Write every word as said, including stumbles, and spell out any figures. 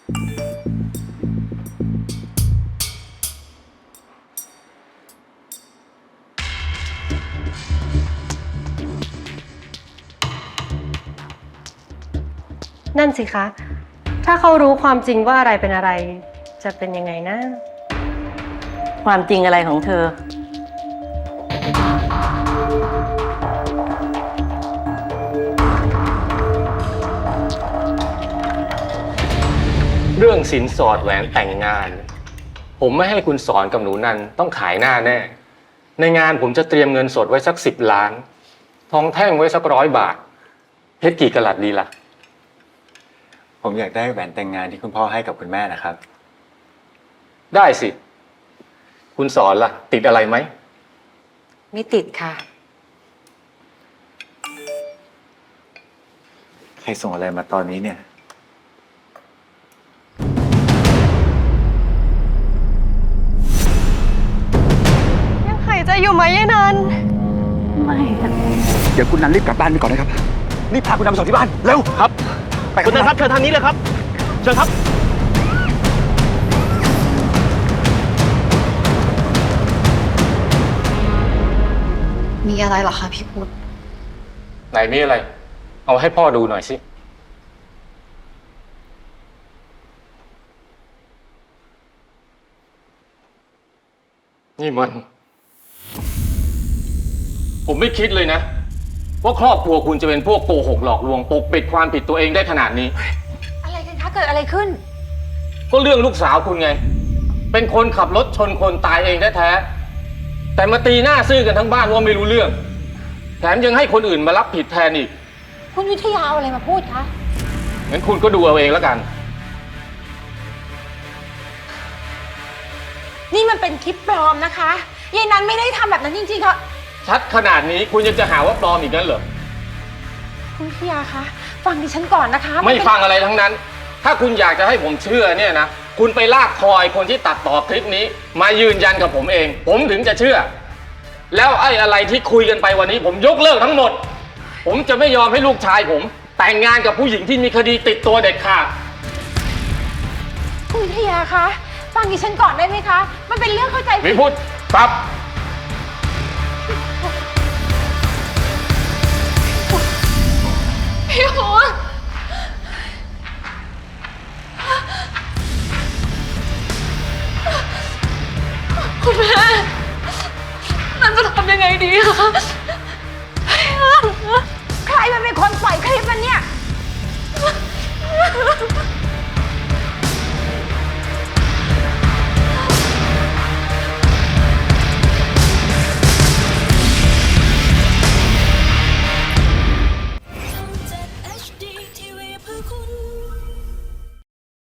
นั่นสิคะ ถ้าเขารู้ความจริงว่าอะไรเป็นอะไรจะเป็นยังไงนะความจริงอะไรของเธอเรื่องสินสอดแหวนแต่งงาน ผมไม่ให้คุณสอนกับหนูนันต้องขายหน้าแน่ ในงานผมจะเตรียมเงินสดไว้สักสิบล้านทองแท่งไว้สักร้อยบาทเพชรกี่กะรัตดีล่ะผมอยากได้แหวนแต่งงานที่คุณพ่อให้กับคุณแม่นะครับได้สิ คุณสอนล่ะ ติดอะไรไหมไม่ติดค่ะใครส่งอะไรมาตอนนี้เนี่ยยังหายใจอยู่ไหมยายนันไม่เดี๋ยวคุณนันรีบกลับบ้านไปก่อนนะครับรีบพาคุณนันไปส่งที่บ้านเร็วครับไปคุณนันครับเชิญทางนี้เลยครับเชิญครับมีอะไรเหรอคะพี่พุทธไหนมีอะไร เอาให้พ่อดูหน่อยสินี่มัน ผมไม่คิดเลยนะว่าครอบครัวคุณจะเป็นพวกโกหกหลอกลวงปกปิดความผิดตัวเองได้ขนาดนี้อะไรกันคะเกิดอะไรขึ้นก็เรื่องลูกสาวคุณไงเป็นคนขับรถชนคนตายเองแท้ๆแต่มาตีหน้าซื่อกันทั้งบ้านว่าไม่รู้เรื่องแถมยังให้คนอื่นมารับผิดแทนอีกคุณวิทยาเอาอะไรมาพูดคะงั้นคุณก็ดูเอาเองแล้วกันนี่มันเป็นคลิปปลอมนะคะยายนันไม่ได้ทำแบบนั้นจริงๆค่ะชัดขนาดนี้คุณยังจะหาว่าปลอมอีกงั้นเหรอคุณวิทยาคะฟังดิฉันก่อนนะคะไม่ฟังอะไรทั้งนั้นถ้าคุณอยากจะให้ผมเชื่อเนี่ยนะคุณไปลากคอยคนที่ตัดต่อคลิปนี้มายืนยันกับผมเองผมถึงจะเชื่อแล้วไอ้อะไรที่คุยกันไปวันนี้ผมยกเลิกทั้งหมดผมจะไม่ยอมให้ลูกชายผมแต่งงานกับผู้หญิงที่มีคดีติดตัวเด็ดขาดคุณวิทยาคะฟังดิฉันก่อนได้ไหมคะมันเป็นเรื่องเข้าใจผิดไม่พูดครับพี่โหคุณแม่นั่นจะทำยังไงดีคะใครมันเป็นคนปล่อยคลิปมันเนี่ย